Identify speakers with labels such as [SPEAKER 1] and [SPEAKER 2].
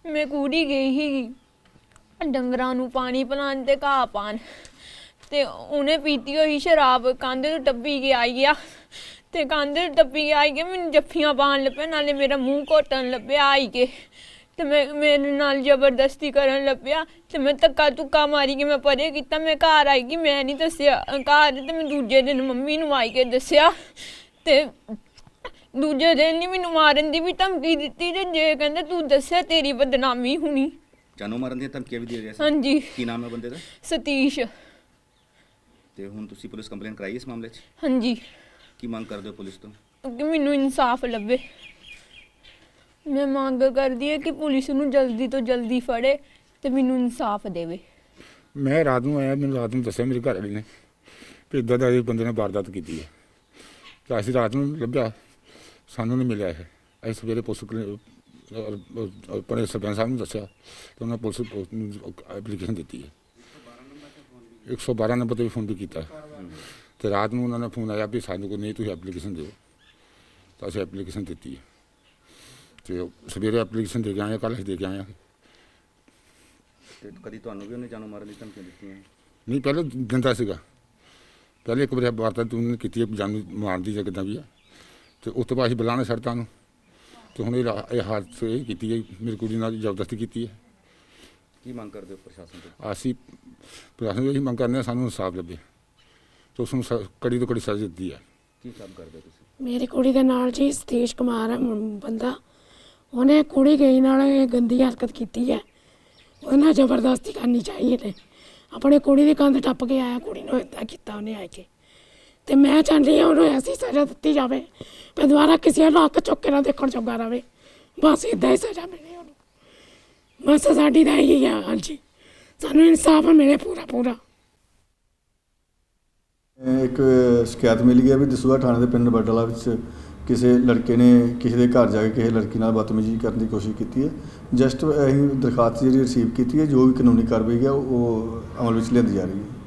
[SPEAKER 1] मैं कूड़ी गई ही डंगरां नूं पानी पिलाण ते घाह पाण ते उन्हें पीती हुई शराब कंध तो टप्पी के आई गया ते कंध टप्पी के आई गया मैनूं जफ्फियां पाण लग पिया नाले मेरा मूँह घोटन लग पिया आई के ते मैं मेरे नाल जबरदस्ती करन लग पिया ते मैं धक्का धुक्का मारी के मैं परे कीता। मैं घर आई गई, मैं नहीं दस्सिया घर ते मैं दूजे दिन मम्मी नूं आई के दस्सिया ते दूजे दिन नहीं मैनूं मारन दी भी धमकी दित्ती ते जे कहंदे तू दस्सिया तेरी बदनामी होनी।
[SPEAKER 2] जानो मारन दी धमकियां भी दे रहे सी?
[SPEAKER 1] हाँ जी।
[SPEAKER 2] की नाम है बंदे दा?
[SPEAKER 1] सतीश।
[SPEAKER 2] ते हुण तुसीं पुलिस कंप्लेंट कराई इस मामले 'च?
[SPEAKER 1] हाँ जी।
[SPEAKER 2] की मांग करदे हो पुलिस तो?
[SPEAKER 1] कि मैनूं इंसाफ लभे। मैं मांग करदी है कि पुलिस नूं जल्दी तो जल्दी फड़े ते मैनूं इंसाफ देवे।
[SPEAKER 3] मैं रात नूं आया, मैनूं रात नूं दस्सिया मेरे घर वाले ने कि इदां दा इस बंदे ने वारदात कीती है ते असीं रात नूं लभ्या, सानूं नहीं मिलिया है। असीं सवेरे पुलिस अपने सरपंच साहब नूं दस्सिया ते उन्होंने पुलिस एप्लीकेशन दित्ती है। 112 नंबर ते भी फोन भी कीता ते रात नूं उन्होंने फोन आया भी सानूं कोई नहीं तुसीं एप्लीकेशन दिओ तो असीं एप्लीकेशन दित्ती है ते सवेरे एप्लीकेशन दे के आए, कल असीं दे के आए।
[SPEAKER 2] ते कदी तुहानूं भी उन्हें जानो मारन दी धमकियां दित्तियां?
[SPEAKER 3] नहीं, पहले दिंदा सीगा, पहले एक बार वारदात उन्होंने की जान मारन दी किदां भी है तो उस तो बाद असीं बुलाने सड़तां नूं ते हुण ये हादसे ये कीती है, मेरी कुड़ी नाल जबरदस्ती कीती है।
[SPEAKER 2] की मांग करदे हो प्रशासन तो?
[SPEAKER 3] असीं प्रशासन यही मंग करने सानूं इंसाफ लभे तो उसनूं कड़ी तो कड़ी सज़ा दित्ती है।
[SPEAKER 2] की काम करदे हो तुसीं?
[SPEAKER 4] मेरी कुड़ी दे नाल जी सतीश कुमार है बंदा, उन्हें कुड़ी गई नाल गंदी हरकत की है, उन्हें जबरदस्ती करनी चाहिए थे। अपने कुड़ी की कंध टप के आया, कुड़ी ने इदा किया उन्हें आके तो मैं चाहती हाँ उन्हें ऐसी सज़ा दी जाए पर दोबारा किसी नक चुक के ना देखने जोगा रहे, बस इदा ही सज़ा मिले उन्होंने, बस साड़ी तो यही है। हाँ जी, सानू इंसाफ मिले पूरा पूरा।
[SPEAKER 5] एक शिकायत मिली है भी दसूहा थाने के पिंड बडला किसी लड़के ने किसी के घर जाके किसी लड़की नाल बदतमीजी करने की कोशिश की है। जस्ट अं दरखास्त जी रिसीव की है, जो भी कानूनी कार्रवाई है वो अमल में लिया जा रही है।